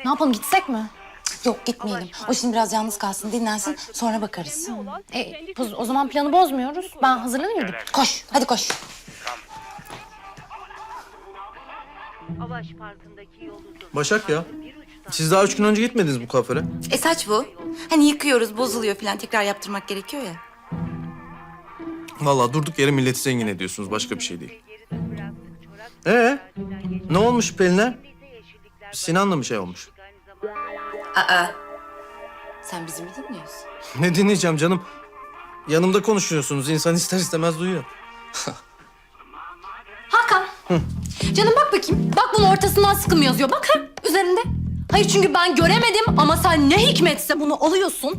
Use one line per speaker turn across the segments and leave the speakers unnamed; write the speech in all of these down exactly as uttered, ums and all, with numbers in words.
Ne yapalım, gitsek mi?
Yok gitmeyelim. O şimdi biraz yalnız kalsın, dinlensin. Sonra bakarız.
E, o zaman planı bozmuyoruz. Ben hazırlanayım gidip.
Koş, hadi koş.
Başak ya. Siz daha üç gün önce gitmediniz bu kuaföre.
E saç bu. Hani yıkıyoruz, bozuluyor falan. Tekrar yaptırmak gerekiyor ya.
Vallahi durduk yere milleti zengin ediyorsunuz. Başka bir şey değil. Ee, ne olmuş Pelin'e? Sinan'la mı şey olmuş?
Aa. Sen bizi mi dinliyorsun?
Ne dinleyeceğim canım? Yanımda konuşuyorsunuz. İnsan ister istemez duyuyor.
Hakan. Canım bak bakayım. Bak bunun ortasından sıkım yazıyor. Bak ha üzerinde. Hayır çünkü ben göremedim ama sen ne hikmetse bunu alıyorsun.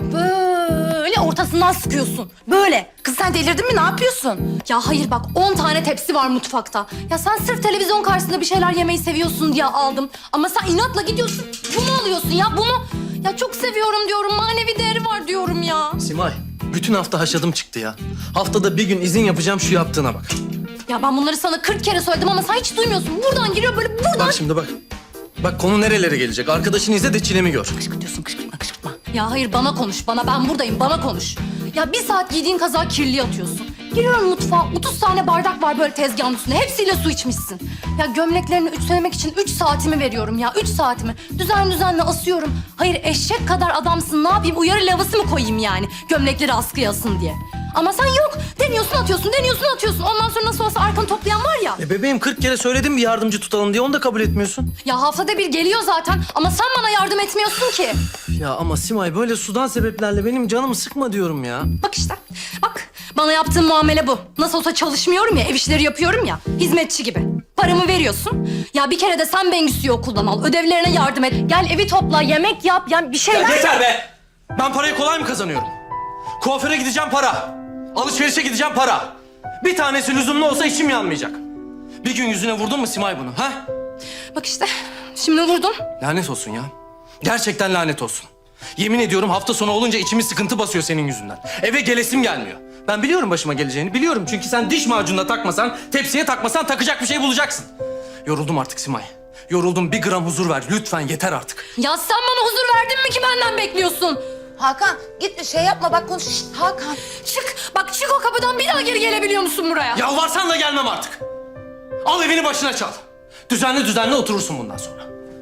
Böyle ortasından sıkıyorsun. Böyle.
Kız sen delirdin mi? Ne yapıyorsun?
Ya hayır bak on tane tepsi var mutfakta. Ya sen sırf televizyon karşısında bir şeyler yemeyi seviyorsun diye aldım. Ama sen inatla gidiyorsun bunu alıyorsun ya bunu. Ya çok seviyorum diyorum, manevi değeri var diyorum ya.
Simay, bütün hafta haşadım çıktı ya. Haftada bir gün izin yapacağım, şu yaptığına bak.
Ya ben bunları sana kırk kere söyledim ama sen hiç duymuyorsun. Buradan giriyor böyle buradan.
Bak şimdi bak. Bak konu nerelere gelecek. Arkadaşını izle de çilemi gör.
Kışkırtıyorsun, kışkırtma, kışkırtma.
Ya hayır bana konuş bana, ben buradayım, bana konuş. Ya bir saat giydiğin kazağı kirliye atıyorsun. Giriyorum mutfağa, otuz tane bardak var böyle tezgahın üstünde. Hepsiyle su içmişsin. Ya gömleklerini ütülemek için üç saatimi veriyorum ya, üç saatimi. Düzenli düzenli asıyorum. Hayır eşek kadar adamsın, ne yapayım? Uyarı lavası mı koyayım yani? Gömlekleri askıya asın diye. Ama sen yok. Deniyorsun atıyorsun, deniyorsun atıyorsun. Ondan sonra nasıl olsa arkanı toplayan var ya.
E bebeğim kırk kere söyledim bir yardımcı tutalım diye, onu da kabul etmiyorsun.
Ya haftada bir geliyor zaten ama sen bana yardım etmiyorsun ki.
Ya ama Simay böyle sudan sebeplerle benim canımı sıkma diyorum ya.
Bak işte, bak. Bana yaptığın muamele bu. Nasıl olsa çalışmıyorum ya, ev işleri yapıyorum ya. Hizmetçi gibi. Paramı veriyorsun. Ya bir kere de sen Bengüsü'yü okuldan al. Ödevlerine yardım et. Gel evi topla, yemek yap. Yani bir şeyler...
Ya yeter be! Ben parayı kolay mı kazanıyorum? Kuaföre gideceğim para. Alışverişe gideceğim para. Bir tanesi lüzumlu olsa içim yanmayacak. Bir gün yüzüne vurdun mu Simay bunu ha?
Bak işte, şimdi vurdun.
Lanet olsun ya. Gerçekten lanet olsun. Yemin ediyorum hafta sonu olunca içimi sıkıntı basıyor senin yüzünden. Eve gelesim gelmiyor. Ben biliyorum başıma geleceğini, biliyorum. Çünkü sen diş macununa takmasan, tepsiye takmasan takacak bir şey bulacaksın. Yoruldum artık Simay. Yoruldum, bir gram huzur ver. Lütfen yeter artık.
Ya sen bana huzur verdin mi ki benden bekliyorsun?
Hakan gitme, şey yapma, bak konuş. Şişt, Hakan.
Çık, bak çık o kapıdan, bir daha geri gelebiliyor musun buraya?
Yalvarsan da gelmem artık. Al evini başına çal. Düzenli düzenli oturursun bundan sonra.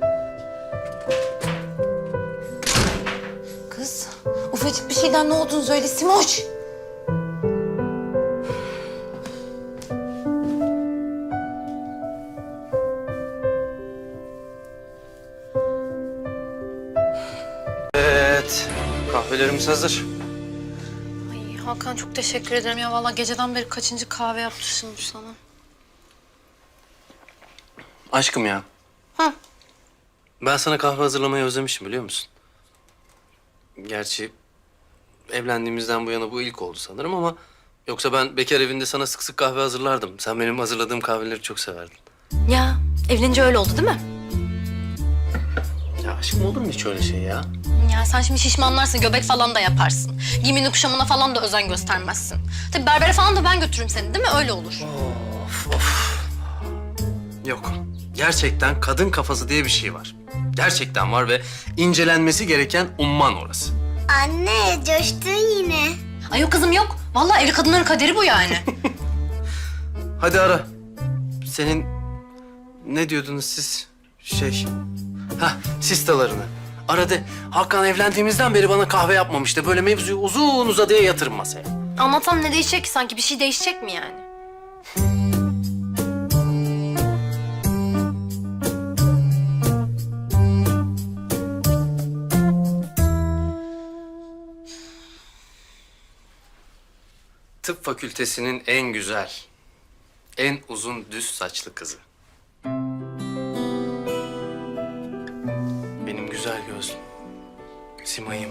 Kız, ufacık bir şeyden ne olduğunu söyle Simoş.
Evet, kahvelerimiz hazır.
Ay Hakan çok teşekkür ederim ya. Vallahi geceden beri kaçıncı kahve yaptırmışım sana.
Aşkım ya.
Hı.
Ben sana kahve hazırlamayı özlemişim biliyor musun? Gerçi evlendiğimizden bu yana bu ilk oldu sanırım ama... Yoksa ben bekar evinde sana sık sık kahve hazırlardım. Sen benim hazırladığım kahveleri çok severdin.
Ya evlenince öyle oldu değil mi?
Ya aşkım olur mu hiç öyle şey ya?
Ya sen şimdi şişmanlarsın, göbek falan da yaparsın. Giyimine kuşamına falan da özen göstermezsin. Tabii berbere falan da ben götürürüm seni değil mi? Öyle olur.
Of of. Yok. Gerçekten kadın kafası diye bir şey var. Gerçekten var ve incelenmesi gereken umman orası.
Anne, coştun yine.
Ay yok kızım yok. Vallahi evli kadınların kaderi bu yani.
Hadi ara. Senin ne diyordunuz siz? Şey... Hah, sistalarını. Ara de. Hakan evlendiğimizden beri bana kahve yapmamıştı. Böyle mevzuyu uzun uzadıya yatırın masaya.
Anlatsam ne değişecek ki sanki? Bir şey değişecek mi yani?
Tıp fakültesinin en güzel, en uzun düz saçlı kızı. Benim güzel gözlüm, Simay'ım.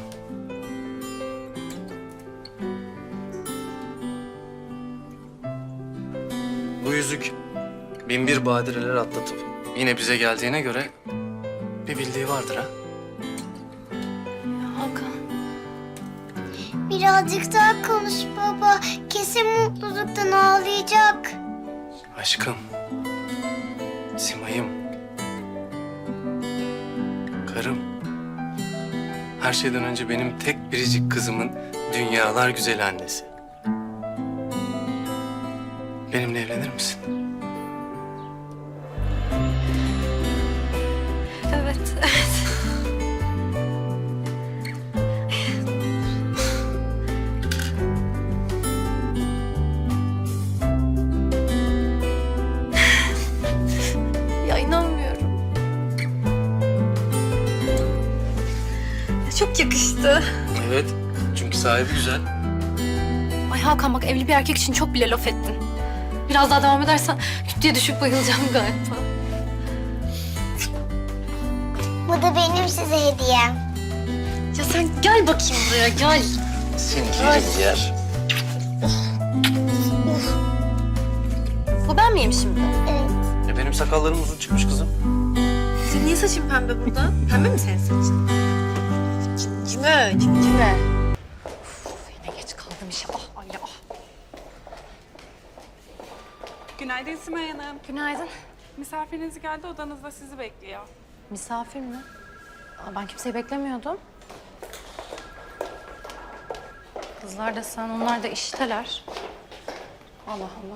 Bu yüzük bin bir badireler atlatıp yine bize geldiğine göre bir bildiği vardır ha.
Hakan.
Birazcık daha konuş baba. Kesin mutluluktan ağlayacak.
Aşkım, Simay'ım. Karım. Her şeyden önce benim tek biricik kızımın dünyalar güzel annesi. Benimle evlenir misin?
Evet, evet. Ya inanmıyorum. Ya çok yakıştı.
Evet. Çünkü sahibi güzel.
Ay Hakan bak evli bir erkek için çok bile laf ettin. Biraz daha devam edersen küt diye düşüp bayılacağım galiba.
Bu da benim size hediyem.
Ya sen gel bakayım buraya gel.
Seni yerim yer.
Bu ben miyim şimdi?
Evet.
E benim sakallarım uzun çıkmış kızım.
Senin niye saçın pembe burada? Pembe mi senin saçın? Cimcime, cimcime.
Yine geç kaldım işe. Ah Ayla ah.
Günaydın Simay Hanım.
Günaydın.
Misafiriniz geldi, odanızda sizi bekliyor.
Misafir mi? Aa, ben kimseyi beklemiyordum. Kızlar da sen, onlar da işteler. Allah Allah.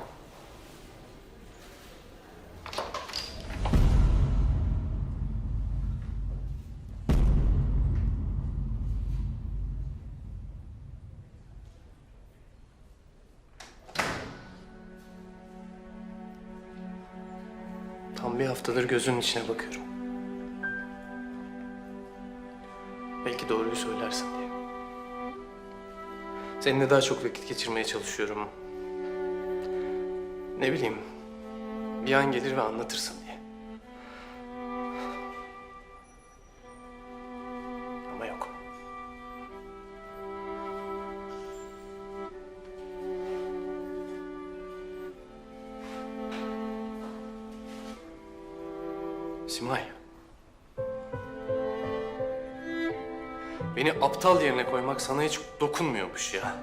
Tam bir haftadır gözünün içine bakıyorum. Belki doğruyu söylersin diye. Seninle daha çok vakit geçirmeye çalışıyorum. Ne bileyim, bir an gelir ve anlatırsın diye. Ama yok. Simay. Beni aptal yerine koymak sana hiç dokunmuyormuş ya.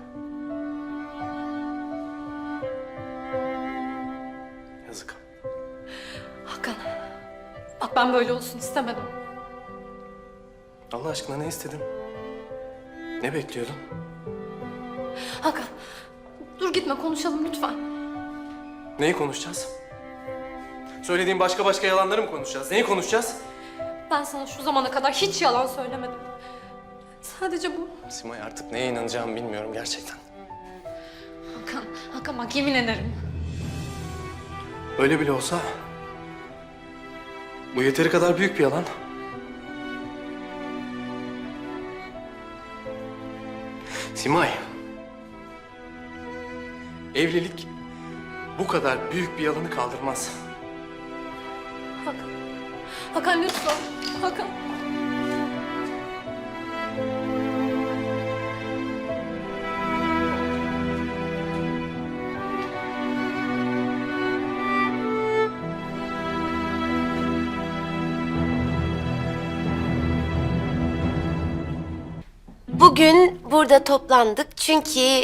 Yazık.
Hakan. Bak ben böyle olsun istemedim.
Allah aşkına ne istedin? Ne bekliyordun?
Hakan. Dur gitme konuşalım lütfen.
Neyi konuşacağız? Söylediğin başka başka yalanları mı konuşacağız? Neyi konuşacağız?
Ben sana şu zamana kadar hiç yalan söylemedim. Sadece bu.
Simay artık neye inanacağımı bilmiyorum gerçekten.
Hakan, Hakan bak yemin ederim.
Öyle bile olsa bu yeteri kadar büyük bir yalan. Simay. Evlilik bu kadar büyük bir yalanı kaldırmaz.
Hakan. Hakan lütfen. Hakan.
Bugün burada toplandık çünkü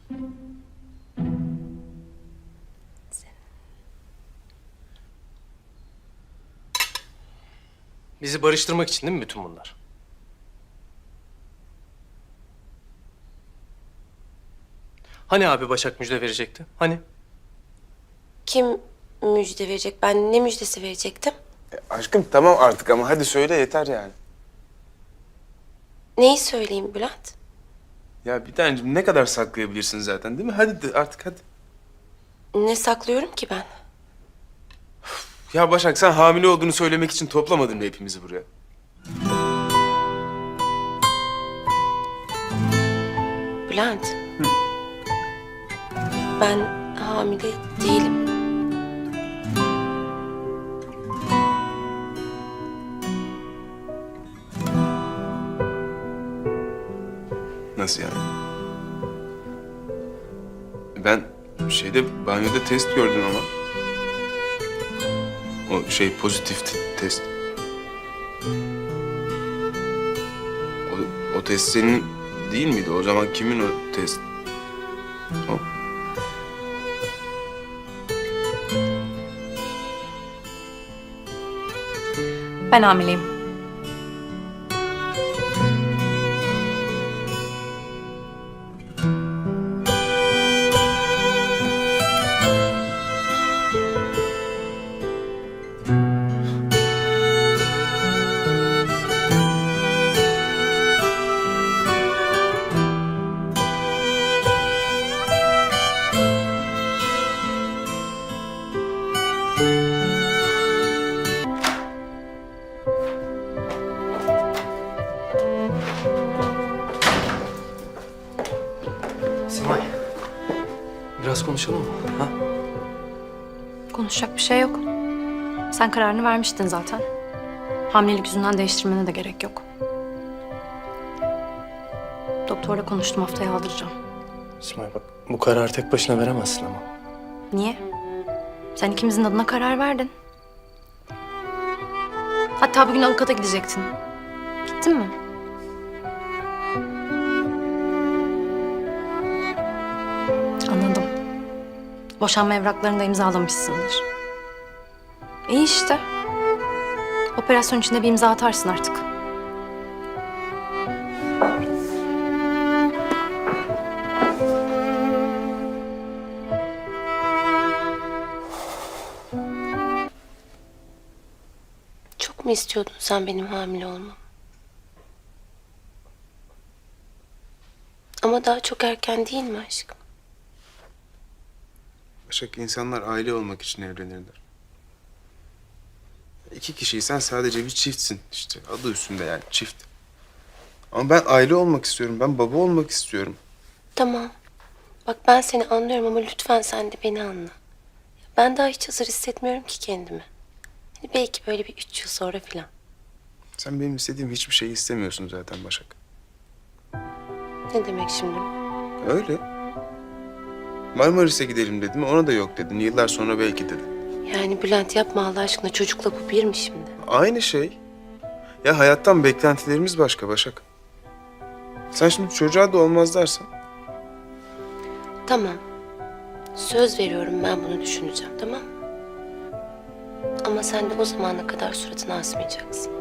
Bizi barıştırmak için değil mi bütün bunlar? Hani abi Başak müjde verecekti? Hani?
kim müjde verecek? Ben ne müjdesi verecektim?
Aşkım tamam artık ama hadi söyle yeter yani.
Neyi söyleyeyim Bülent?
Ya bir tanecim ne kadar saklayabilirsin zaten değil mi? Hadi de artık hadi.
Ne saklıyorum ki ben?
Ya Başak sen hamile olduğunu söylemek için toplamadın mı hepimizi buraya?
Bülent. Ben hamile değilim.
Nasıl yani? Ben şeyde banyoda test gördüm ama. O şey pozitif t- test. O, o test senin değil miydi? O zaman kimin o test? O.
Ben hamileyim.
Simay. Biraz konuşalım mı? Ha?
Konuşacak bir şey yok. Sen kararını vermiştin zaten. Hamilelik yüzünden değiştirmene de gerek yok. Doktorla konuştum, haftaya aldıracağım.
Simay bak, bu kararı tek başına veremezsin ama.
Niye? Sen ikimizin adına karar verdin. Hatta bugün avukata gidecektin. Gittin mi? Anladım. Boşanma evraklarını da imzalamışsındır. İyi işte. Operasyon içinde bir imza atarsın artık.
Çok mu istiyordun sen benim hamile olmamı? Ama daha çok erken değil mi aşkım?
Başak, insanlar aile olmak için evlenirler. İki kişiysen sadece bir çiftsin işte. Adı üstünde yani, çift. Ama ben aile olmak istiyorum. Ben baba olmak istiyorum.
Tamam. Bak ben seni anlıyorum ama lütfen sen de beni anla. Ben daha hiç hazır hissetmiyorum ki kendimi. Hani belki böyle bir üç yıl sonra falan.
Sen benim istediğim hiçbir şeyi istemiyorsun zaten Başak.
Ne demek şimdi?
Öyle. Marmaris'e gidelim dedim. Ona da yok dedin. Yıllar sonra belki dedin.
Yani Bülent yapma Allah aşkına, çocukla bu bir mi şimdi?
Aynı şey. Ya hayattan beklentilerimiz başka Başak. Sen şimdi çocuğa da olmaz dersen.
Tamam. Söz veriyorum, ben bunu düşüneceğim, tamam mı? Ama sen de o zamana kadar suratını asmayacaksın.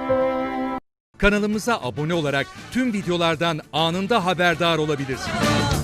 Kanalımıza abone olarak tüm videolardan anında haberdar olabilirsiniz.